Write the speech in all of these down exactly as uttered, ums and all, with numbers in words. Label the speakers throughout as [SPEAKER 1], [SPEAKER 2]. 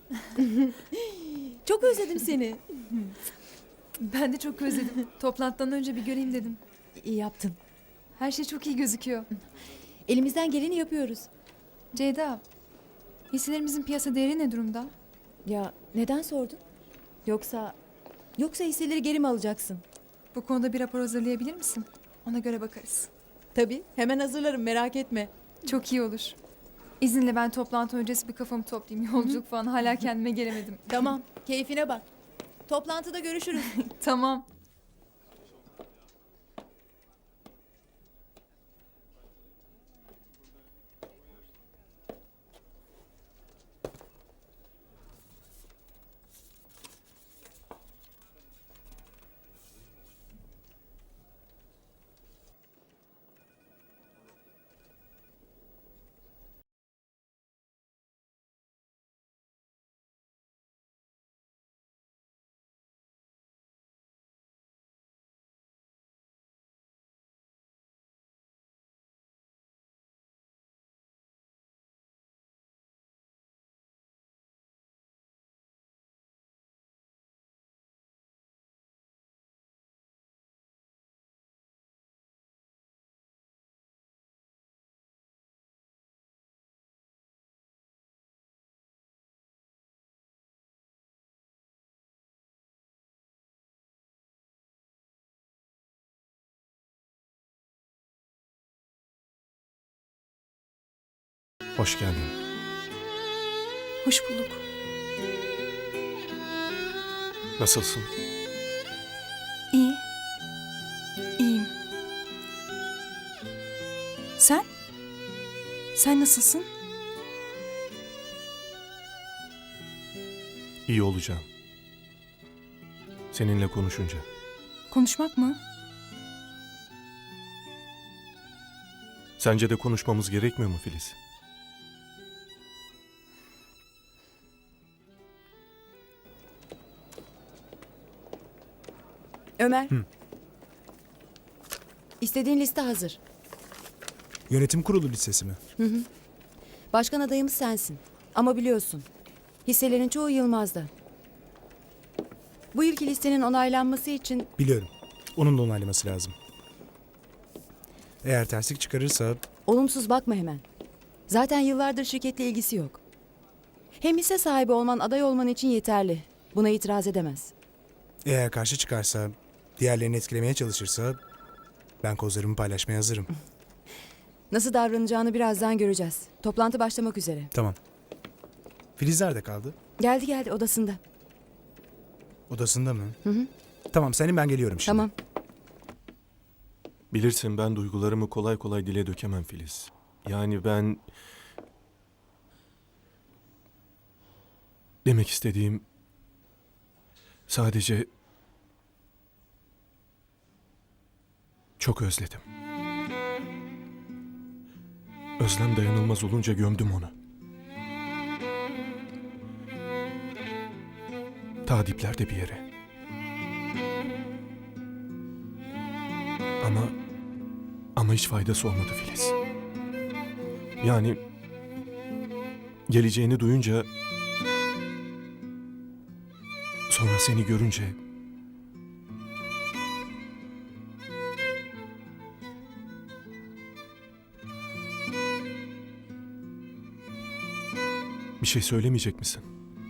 [SPEAKER 1] Çok özledim seni.
[SPEAKER 2] Ben de çok özledim. Toplantıdan önce bir göreyim dedim.
[SPEAKER 1] İyi yaptın.
[SPEAKER 2] Her şey çok iyi gözüküyor.
[SPEAKER 1] Elimizden geleni yapıyoruz.
[SPEAKER 2] Ceyda, hisselerimizin piyasa değeri ne durumda?
[SPEAKER 1] Ya neden sordun? Yoksa yoksa hisseleri geri mi alacaksın?
[SPEAKER 2] Bu konuda bir rapor hazırlayabilir misin? Ona göre bakarız.
[SPEAKER 1] Tabii, hemen hazırlarım, merak etme.
[SPEAKER 2] Çok iyi olur. İzinle ben toplantı öncesi bir kafamı toplayayım. Yolculuk falan hala kendime gelemedim.
[SPEAKER 1] Tamam, keyfine bak. Toplantıda görüşürüz.
[SPEAKER 2] Tamam.
[SPEAKER 3] Hoş geldin.
[SPEAKER 2] Hoş bulduk.
[SPEAKER 3] Nasılsın?
[SPEAKER 2] İyi. İyiyim. Sen? Sen nasılsın?
[SPEAKER 3] İyi olacağım. Seninle konuşunca.
[SPEAKER 2] Konuşmak mı?
[SPEAKER 3] Sence de konuşmamız gerekmiyor mu Filiz?
[SPEAKER 1] Ömer.
[SPEAKER 3] Hı.
[SPEAKER 1] İstediğin liste hazır.
[SPEAKER 4] Yönetim kurulu listesi mi?
[SPEAKER 1] Başkan adayımız sensin. Ama biliyorsun, hisselerin çoğu Yılmaz'da. Bu ilk listenin onaylanması için
[SPEAKER 4] Biliyorum. Onun da onaylaması lazım. Eğer terslik çıkarırsa
[SPEAKER 1] olumsuz bakma hemen. Zaten yıllardır şirketle ilgisi yok. Hem hisse sahibi olman aday olman için yeterli. Buna itiraz edemez.
[SPEAKER 4] eğer karşı çıkarsa, diğerlerini etkilemeye çalışırsa ben kozlarımı paylaşmaya hazırım.
[SPEAKER 1] Nasıl davranacağını birazdan göreceğiz. Toplantı başlamak üzere.
[SPEAKER 4] Tamam. Filiz nerede kaldı?
[SPEAKER 1] Geldi geldi odasında.
[SPEAKER 4] Odasında mı?
[SPEAKER 1] Hı hı.
[SPEAKER 4] Tamam senin ben geliyorum şimdi.
[SPEAKER 1] Tamam.
[SPEAKER 3] Bilirsin ben duygularımı kolay kolay dile dökemem Filiz. Yani ben... Demek istediğim... Sadece... Çok özledim. Özlem dayanılmaz olunca gömdüm onu. Ta diplerde bir yere. Ama... Ama hiç faydası olmadı Filiz. Yani... Geleceğini duyunca... Sonra seni görünce... Bir şey söylemeyecek misin?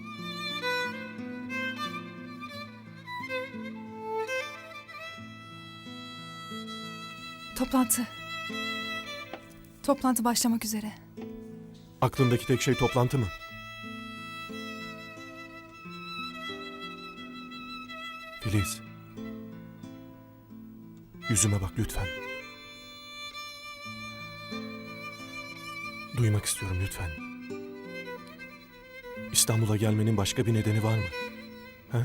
[SPEAKER 2] Toplantı. Toplantı başlamak üzere.
[SPEAKER 3] Aklındaki tek şey toplantı mı? Filiz. Yüzüme bak lütfen. Duymak istiyorum lütfen. İstanbul'a gelmenin başka bir nedeni var mı? Ha?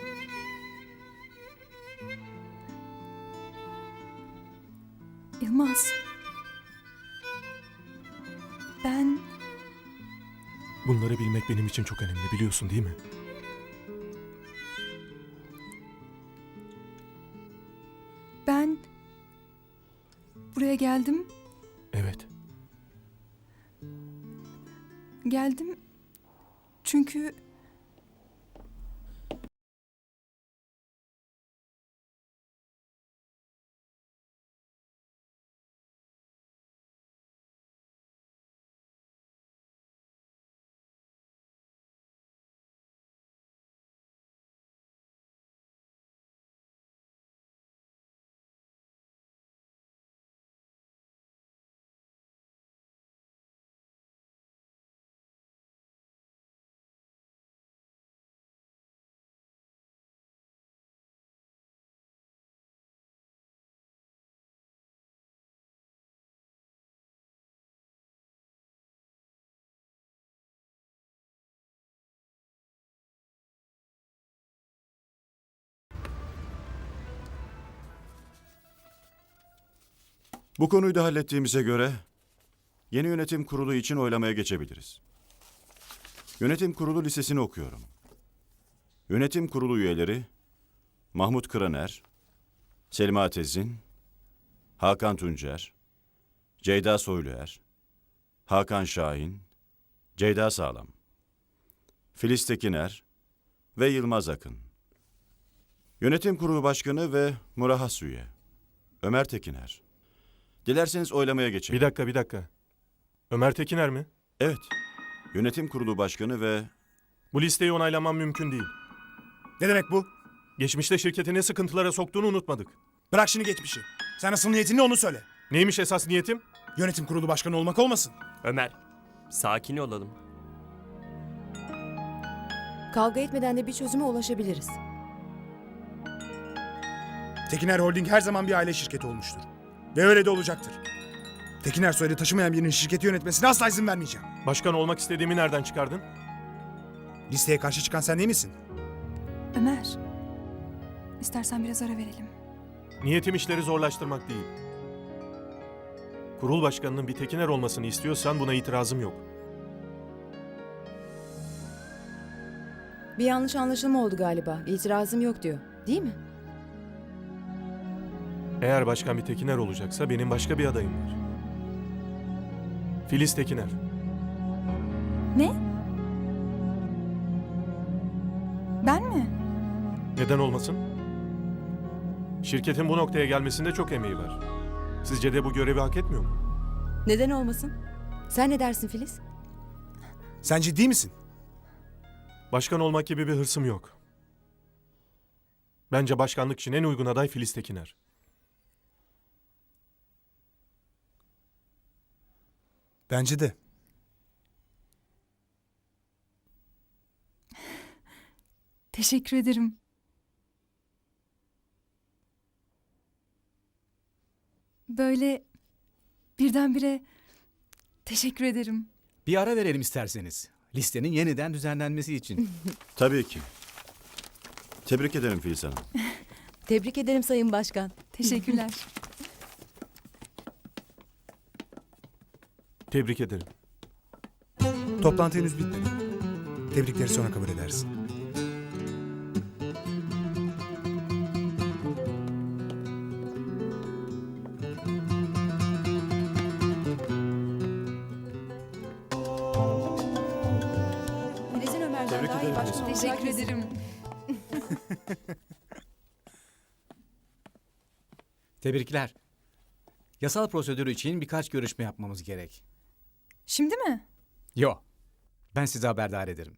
[SPEAKER 2] Yılmaz. Ben...
[SPEAKER 3] Bunları bilmek benim için çok önemli biliyorsun değil mi?
[SPEAKER 2] Ben... Buraya geldim.
[SPEAKER 3] Evet.
[SPEAKER 2] Geldim. Çünkü...
[SPEAKER 5] Bu konuyu da hallettiğimize göre yeni yönetim kurulu için oylamaya geçebiliriz. Yönetim kurulu listesini okuyorum. Yönetim kurulu üyeleri Mahmut Kıraner, Selma Tezin, Hakan Tuncer, Ceyda Soyluer, Hakan Şahin, Ceyda Sağlam, Filiz Tekiner ve Yılmaz Akın. Yönetim kurulu başkanı ve murahhas üye Ömer Tekiner. Dilerseniz oylamaya geçelim.
[SPEAKER 3] Bir dakika, bir dakika. Ömer Tekiner mi?
[SPEAKER 5] Evet. Yönetim kurulu başkanı ve
[SPEAKER 3] Bu listeyi onaylamam mümkün değil.
[SPEAKER 4] Ne demek bu?
[SPEAKER 3] Geçmişte şirketi ne sıkıntılara soktuğunu unutmadık.
[SPEAKER 4] Bırak şimdi geçmişi. Sen asıl niyetin ne onu söyle.
[SPEAKER 3] Neymiş esas niyetim?
[SPEAKER 4] Yönetim kurulu başkanı olmak olmasın.
[SPEAKER 6] Ömer, sakin olalım.
[SPEAKER 1] Kavga etmeden de bir çözüme ulaşabiliriz.
[SPEAKER 4] Tekiner Holding her zaman bir aile şirketi olmuştur. Ve öyle de olacaktır. Tekiner soyadı taşımayan birinin şirketi yönetmesine asla izin vermeyeceğim.
[SPEAKER 3] Başkan olmak istediğimi nereden çıkardın?
[SPEAKER 4] Listeye karşı çıkan sen değil misin?
[SPEAKER 2] Ömer, istersen biraz ara verelim.
[SPEAKER 3] Niyetim işleri zorlaştırmak değil. Kurul başkanının bir Tekiner olmasını istiyorsan buna itirazım yok.
[SPEAKER 1] Bir yanlış anlaşılma oldu galiba. İtirazım yok diyor. Değil mi?
[SPEAKER 3] Eğer başkan bir Tekiner olacaksa benim başka bir adayım var. Filiz Tekiner.
[SPEAKER 2] Ne? Ben mi?
[SPEAKER 3] Neden olmasın? Şirketin bu noktaya gelmesinde çok emeği var. Sizce de bu görevi hak etmiyor mu?
[SPEAKER 1] Neden olmasın? Sen ne dersin Filiz?
[SPEAKER 4] Sen ciddi misin?
[SPEAKER 3] Başkan olmak gibi bir hırsım yok. Bence başkanlık için en uygun aday Filiz Tekiner.
[SPEAKER 4] Bence de.
[SPEAKER 2] Teşekkür ederim. Böyle birdenbire teşekkür ederim.
[SPEAKER 7] Bir ara verelim isterseniz. Listenin yeniden düzenlenmesi için.
[SPEAKER 5] tabii ki. Tebrik ederim Filiz Hanım.
[SPEAKER 1] Tebrik ederim Sayın Başkan.
[SPEAKER 2] Teşekkürler.
[SPEAKER 3] Tebrik ederim.
[SPEAKER 4] Toplantı henüz bitmedi. Tebrikleri sonra kabul edersin.
[SPEAKER 1] Filiz'in Ömer'den
[SPEAKER 3] Tebrik
[SPEAKER 1] daha iyi
[SPEAKER 3] ederim
[SPEAKER 1] başkan olacağı
[SPEAKER 2] Teşekkür
[SPEAKER 1] kesin.
[SPEAKER 2] ederim.
[SPEAKER 7] Tebrikler. Yasal prosedür için birkaç görüşme yapmamız gerek.
[SPEAKER 2] Şimdi mi?
[SPEAKER 7] Yo. Ben sizi haberdar ederim.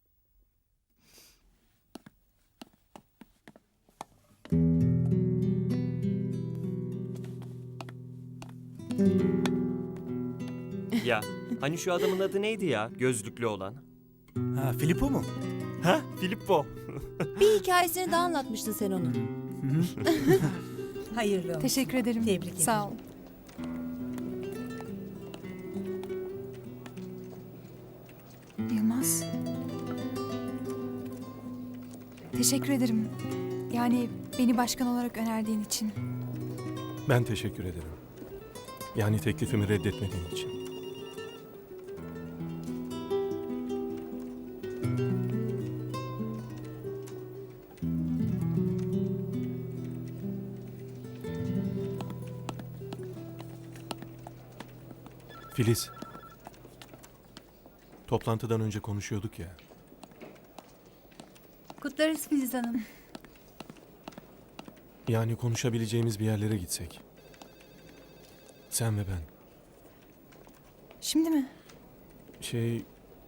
[SPEAKER 6] Ya, hani şu adamın adı neydi ya? Gözlüklü olan.
[SPEAKER 4] Ha, Filippo mu?
[SPEAKER 6] Ha, Filippo.
[SPEAKER 1] Bir hikayesini daha anlatmıştın sen onun.
[SPEAKER 8] Hayırlı olsun.
[SPEAKER 2] Teşekkür ederim.
[SPEAKER 8] Tebrik ederim.
[SPEAKER 2] Sağ ol. Yılmaz. Teşekkür ederim. Yani beni başkan olarak önerdiğin için.
[SPEAKER 3] Ben teşekkür ederim. Yani teklifimi reddetmediğin için. Filiz. Toplantıdan önce konuşuyorduk ya.
[SPEAKER 8] Kutlarız Filiz Hanım.
[SPEAKER 3] Yani konuşabileceğimiz bir yerlere gitsek. Sen ve ben.
[SPEAKER 2] Şimdi mi?
[SPEAKER 3] Şey...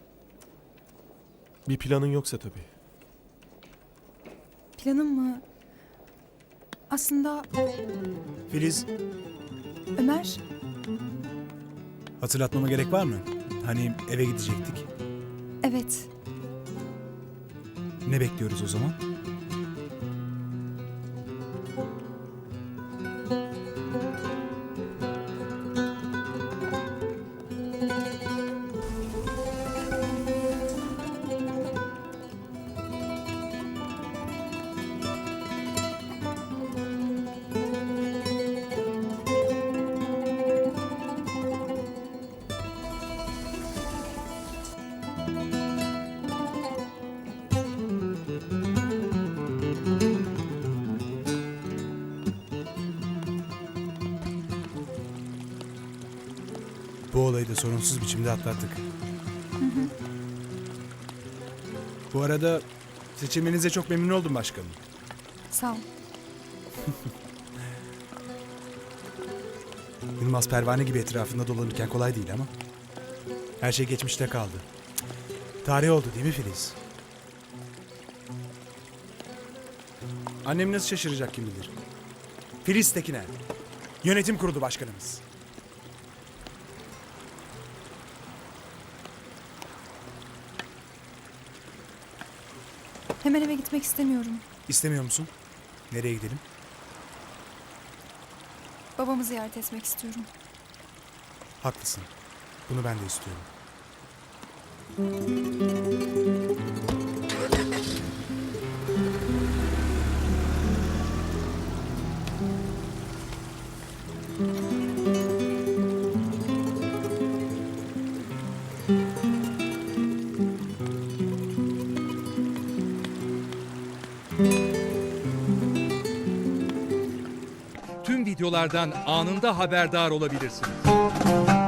[SPEAKER 3] Bir planın yoksa tabii.
[SPEAKER 2] Planım mı? Aslında
[SPEAKER 4] Filiz,
[SPEAKER 2] Ömer,
[SPEAKER 4] hatırlatmama gerek var mı? Hani eve gidecektik.
[SPEAKER 2] evet.
[SPEAKER 4] Ne bekliyoruz o zaman? Bu olayı da sorunsuz biçimde atlattık. Bu arada seçiminize çok memnun oldum başkanım.
[SPEAKER 2] Sağ ol.
[SPEAKER 4] Yılmaz pervane gibi etrafında dolanırken kolay değil ama. Her şey geçmişte kaldı. Tarih oldu değil mi Filiz? Annem nasıl şaşıracak kim bilir. Filiz Tekiner. Yönetim kurulu başkanımız.
[SPEAKER 2] Hemen eve gitmek istemiyorum.
[SPEAKER 4] İstemiyor musun? Nereye gidelim?
[SPEAKER 2] Babamı ziyaret etmek istiyorum.
[SPEAKER 4] Haklısın. Bunu ben de istiyorum.
[SPEAKER 8] Tüm videolardan anında haberdar olabilirsiniz.